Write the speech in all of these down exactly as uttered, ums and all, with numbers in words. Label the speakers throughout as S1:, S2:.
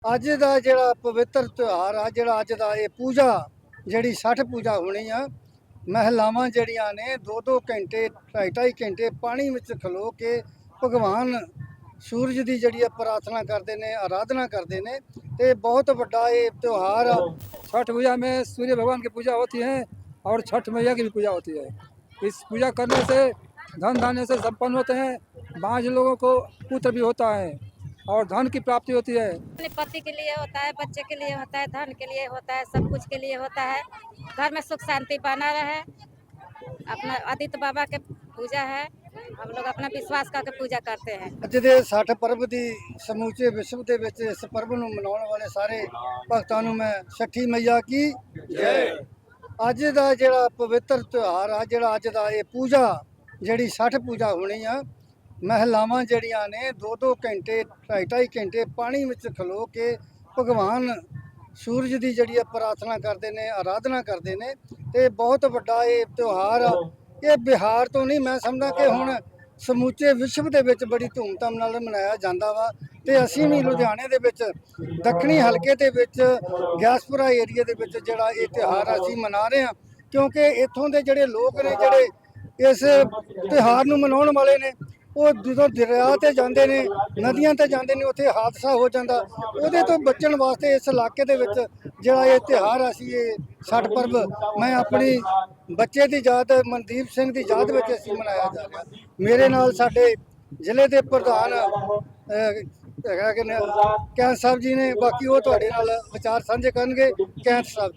S1: ਅੱਜ ਦਾ ਜਿਹੜਾ ਪਵਿੱਤਰ ਤਿਉਹਾਰ ਆ, ਜਿਹੜਾ ਅੱਜ ਦਾ ਇਹ ਪੂਜਾ ਜਿਹੜੀ ਛਠ ਪੂਜਾ ਹੋਣੀ ਆ, ਮਹਿਲਾਵਾਂ ਜਿਹੜੀਆਂ ਨੇ ਦੋ ਦੋ ਘੰਟੇ ਢਾਈ ਢਾਈ ਘੰਟੇ ਪਾਣੀ ਵਿੱਚ ਖਲੋ ਕੇ ਭਗਵਾਨ ਸੂਰਜ ਦੀ ਜਿਹੜੀ ਆ ਪ੍ਰਾर्थना करते ने, आराधना करते ने। ते बहुत बड़ा ये त्यौहार आ।
S2: छठ पूजा में सूर्य भगवान की पूजा होती है और छठ मैया की भी पूजा होती है। इस पूजा करने से धन धान्य से संपन्न होते हैं। बाँझ लोगों को पुत्र भी होता है और धन की प्राप्ति होती है।
S3: अपने पति के लिए होता है, बच्चे के लिए होता है, धन के लिए होता है, सब कुछ के लिए होता है। घर में सुख शांति बना रहे। अपना आदित्य बाबा के पूजा है, हम लोग अपना विश्वास करके पूजा करते हैं।
S1: ਅੱਜ ਦੇ ਛਠ ਪਰਬ ਦੀ ਸਮੂਚੇ ਵਿਸ਼ਵ ਦੇ ਵਿੱਚ ਇਸ ਪਰਬ ਨੂੰ ਮਨਾਉਣ ਵਾਲੇ ਸਾਰੇ ਭਗਤਾਂ ਨੂੰ ਮੈਂ ਛਠੀ ਮਈਆ ਕੀ ਜੈ। ਅੱਜ ਦਾ ਜਿਹੜਾ ਪਵਿੱਤਰ ਤਿਉਹਾਰ ਆ, ਜਿਹੜਾ ਅੱਜ ਦਾ ਇਹ ਪੂਜਾ ਜਿਹੜੀ ਛਠ ਪੂਜਾ ਹੋਣੀ ਆ, ਮਹਿਲਾਵਾਂ ਜਿਹੜੀਆਂ ਨੇ ਦੋ ਦੋ ਘੰਟੇ ਢਾਈ ਢਾਈ ਘੰਟੇ ਪਾਣੀ ਵਿੱਚ ਖਲੋ ਕੇ ਭਗਵਾਨ ਸੂਰਜ ਦੀ ਜਿਹੜੀ ਆ ਪ੍ਰਾर्थना ਕਰਦੇ ਨੇ, ਆਰਾਧਨਾ ਕਰਦੇ ਨੇ। ਤੇ ਬਹੁਤ ਵੱਡਾ ਇਹ ਤਿਉਹਾਰ ਆ। ਇਹ ਬਿਹਾਰ ਤੋਂ ਨਹੀਂ, ਮੈਂ ਸਮਝਦਾ ਕਿ ਹੁਣ ਸਮੁੱਚੇ ਵਿਸ਼ਵ ਦੇ ਵਿੱਚ ਬੜੀ ਧੂਮਧਾਮ ਨਾਲ ਮਨਾਇਆ ਜਾਂਦਾ ਵਾ। ਤੇ ਅਸੀਂ ਵੀ ਲੁਧਿਆਣੇ ਦੇ ਵਿੱਚ ਦੱਖਣੀ ਹਲਕੇ ਦੇ ਵਿੱਚ ਗਿਆਸਪੁਰਾ ਏਰੀਆ ਦੇ ਵਿੱਚ ਜਿਹੜਾ ਇਹ ਤਿਉਹਾਰ ਅਸੀਂ ਮਨਾ ਰਹੇ ਹਾਂ, ਕਿਉਂਕਿ ਇੱਥੋਂ ਦੇ ਜਿਹੜੇ ਲੋਕ ਨੇ ਜਿਹੜੇ ਇਸ ਤਿਉਹਾਰ ਨੂੰ ਮਨਾਉਣ ਵਾਲੇ ਨੇ, ਉਹ ਜਦੋਂ ਦਰਿਆ ਤੇ ਜਾਂਦੇ ਨੇ, ਨਦੀਆਂ ਤੇ ਜਾਂਦੇ ਨੇ, ਉੱਥੇ ਹਾਦਸਾ ਹੋ ਜਾਂਦਾ। ਉਹਦੇ ਤੋਂ ਬਚਣ ਵਾਸਤੇ ਇਸ ਇਲਾਕੇ ਦੇ ਵਿੱਚ ਜਿਹੜਾ ਇਹ ਤਿਉਹਾਰ ਅਸੀਂ ਇਹ ਛਠ ਪਰਬ ਮੈਂ ਆਪਣੀ ਬੱਚੇ ਦੀ ਯਾਦ, ਮਨਦੀਪ ਸਿੰਘ ਦੀ ਯਾਦ ਵਿੱਚ ਅਸੀਂ ਮਨਾਇਆ ਜਾ ਰਿਹਾ। ਮੇਰੇ ਨਾਲ ਸਾਡੇ ਜ਼ਿਲ੍ਹੇ ਦੇ ਪ੍ਰਧਾਨ ਹੈਗਾ ਕਿ ਕੈਂਥ ਸਾਹਿਬ ਜੀ ਨੇ, ਬਾਕੀ ਉਹ ਤੁਹਾਡੇ ਨਾਲ ਵਿਚਾਰ ਸਾਂਝੇ ਕਰਨਗੇ। ਕੈਂਥ ਸਾਹਿਬ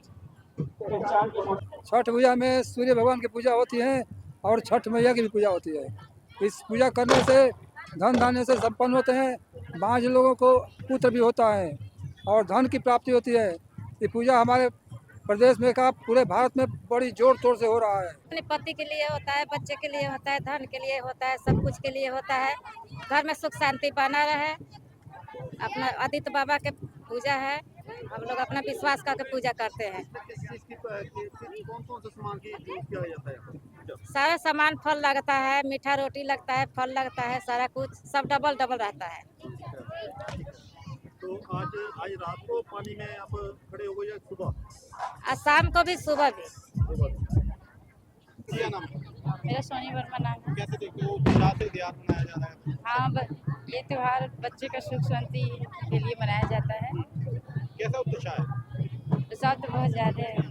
S2: छठ पूजा में सूर्य भगवान की पूजा होती है और छठ मैया की भी पूजा होती है। इस पूजा करने से धन धान्य से संपन्न होते हैं। बाँझ लोगों को पुत्र भी होता है और धन की प्राप्ति होती है। ये पूजा हमारे प्रदेश में का पूरे भारत में बड़ी जोर तोड़ से हो रहा है।
S3: अपने पति के लिए होता है, बच्चे के लिए होता है, धन के लिए होता है, सब कुछ के लिए होता है। घर में सुख शांति बना रहे। अपना आदित्य बाबा के पूजा है, हम लोग अपना विश्वास करके पूजा करते हैं।
S1: कौन कौन सा सामान की यूज किया जाता है?
S3: सारा सामान फल लगता है, मीठा रोटी लगता है, फल लगता है, सारा कुछ सब डबल डबल रहता है।
S1: तो आज आज रात को पानी में आप खड़े हो गए या सुबह?
S3: आज शाम को भी, सुबह भी।
S1: क्या नाम है?
S3: मेरा सोनी वर्मा नाम है।
S1: कैसे देखते हो क्या से त्योहार मनाया जा रहा है?
S3: हाँ, ब- ये त्योहार बच्चे का सुख शांति के लिए मनाया जाता है।
S1: कैसा उत्साह है?
S3: उत्साह तो बहुत ज़्यादा है।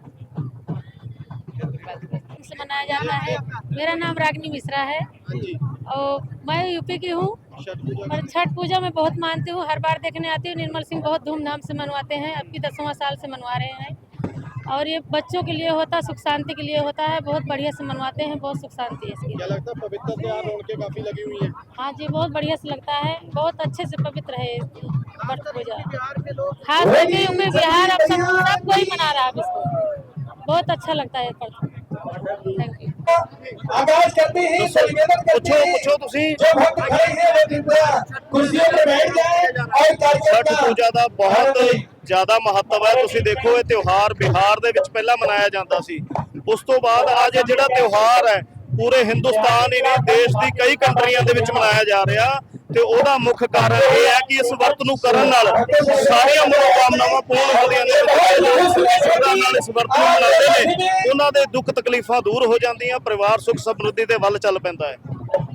S3: से मनाया जाता है। मेरा नाम रागिनी मिश्रा है और मैं यूपी की हूँ। और छठ पूजा में बहुत मानती हूँ, हर बार देखने आती हूँ। निर्मल सिंह बहुत धूमधाम से मनवाते हैं, अब की दसवां साल से मनवा रहे हैं। और ये बच्चों के लिए होता है, सुख शांति के लिए होता है, बहुत बढ़िया से मनवाते हैं, बहुत सुख शांति है इसकी।
S1: क्या लगता है पवित्र त्योहार उनके काफी लगी हुई है?
S3: हाँ जी, बहुत बढ़िया से लगता है, बहुत अच्छे से पवित्र है छठ पूजा। खास करके यूपी बिहार अब सब सब कोई मना रहा है इसको, बहुत अच्छा लगता है। Thank you.
S4: आगाज करते हैं, निवेदन करते हैं
S5: पुछो तुसी
S4: जो भक्त खड़े हैं वो कृपया कुर्सियों पर बैठ जाएं और कार्यक्रम
S5: छठ
S4: का
S5: ਪੂਜਾ ਦਾ ਬਹੁਤ ਜ਼ਿਆਦਾ ਮਹੱਤਵ ਹੈ। ਤੁਸੀਂ ਦੇਖੋ ਇਹ ਤਿਉਹਾਰ ਬਿਹਾਰ ਦੇ ਵਿੱਚ ਪਹਿਲਾਂ ਮਨਾਇਆ ਜਾਂਦਾ ਸੀ, ਉਸ ਤੋਂ ਬਾਅਦ ਅੱਜ ਇਹ ਜਿਹੜਾ ਤਿਉਹਾਰ ਹੈ ਪੂਰੇ ਹਿੰਦੁਸਤਾਨ ਹੀ ਨਹੀਂ ਦੇਸ਼ ਦੀ ਕਈ ਕੰਟਰੀਆਂ ਦੇ ਵਿੱਚ ਮਨਾਇਆ ਜਾ ਰਿਹਾ। ਤੇ ਉਹਦਾ ਮੁੱਖ ਕਾਰਨ ਇਹ ਹੈ ਕਿ ਇਸ ਵਰਤ ਨੂੰ ਕਰਨ ਨਾਲ ਸਾਰੀਆਂ ਮਨੋਕਾਮਨਾਵਾਂ ਪੂਰਨ ਹੁੰਦੀਆਂ ਨੇ। ਸ਼ਰਧਾ ਨਾਲ ਇਸ ਵਰਤ ਨੂੰ ਮਨਾਉਂਦੇ ਨੇ, ਉਹਨਾਂ ਦੇ ਦੁੱਖ ਤਕਲੀਫਾਂ ਦੂਰ ਹੋ ਜਾਂਦੀਆਂ, ਪਰਿਵਾਰ ਸੁਖ ਸਮਰਿੱਧੀ ਦੇ ਵੱਲ ਚੱਲ ਪੈਂਦਾ है।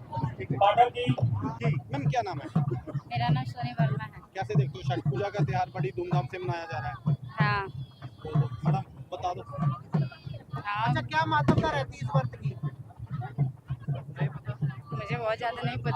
S1: मैम क्या नाम है?
S3: मेरा नाम सोनी वर्मा है।
S1: कैसे देखते हो छठ पूजा का त्योहार बड़ी धूमधाम से मनाया जा रहा है?
S3: हाँ
S1: तो मैडम बता दो।
S3: हाँ,
S1: क्या महत्वता रहती है इस व्रत की?
S3: मुझे बहुत ज़्यादा नहीं पता।